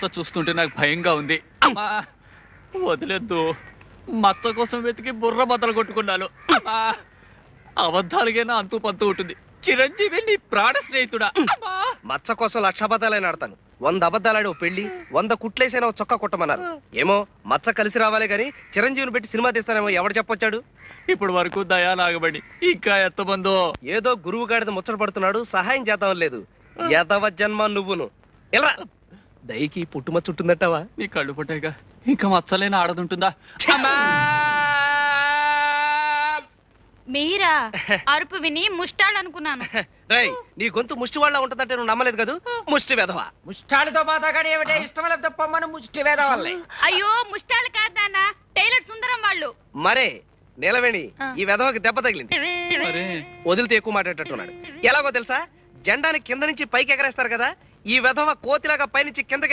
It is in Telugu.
చూస్తుంటే నాకు భయంగా ఉంది. అమ్మా వదిలేద్దు. మచ్చ కోసం వెతికి బుర్ర బద్దలు కొట్టుకున్నాను. అమ్మా అబద్ధాలుగైనా అంతూ పంతూ ఉంటుంది. చిరంజీవి నీ ప్రాణ స్నేహితుడా. మచ్చ కోసం 1,00,000 అబద్ధాలైనా ఆడతాను. 100 అబద్ధాలాడి ఓ పెళ్లి, 100 కుట్లేసైనా చొక్క కొట్టమన్నారు. ఏమో మచ్చ కలిసి రావాలే గాని చిరంజీవిని పెట్టి సినిమా తీస్తానేమో ఎవడు చెప్పొచ్చాడు? ఇప్పుడు వరకు దయాలాగబడి ఇంకా ఎంతమందో. ఏదో గురువు గాడిద ముచ్చట పడుతున్నాడు, సహాయం చేద్దాం లేదు. యదవ జన్మ నువ్వును. ఎలా దయకి పుట్టుమచ్చ ఉంటుందట్టవా? నీ కళ్ళు పుట్టాక ఇంకా మచ్చలేని ఆడదుంటుందా? మీరా? అరుపు విని ముష్టాలనుకున్నాను. రై నీ గొంతు ముష్టి వాళ్ళ ఉంటుందంటే నువ్వు నమ్మలేదు కదా. ముష్టి వెధవ. ముష్టాలతో మాతాగాడు ఏమిటే? ఇష్టం లేకపోతే పొమ్మను ముష్టి వేద వల్లే. అయ్యో ముష్టాలు కాదు నాన్న, టైలర్ సుందరం వాళ్ళు. మరే నీలవేణి ఈ వెధవకి దెబ్బ తగిలింది. మరే వదిలితే ఎక్కువ మాట్లాడేటట్టున్నాడు. ఎలాగో తెలుసా, జెండాని కింద నుంచి పైకి ఎగరేస్తారు కదా, ఈ వెధవ కోతిలాగా పైనుంచి కిందకి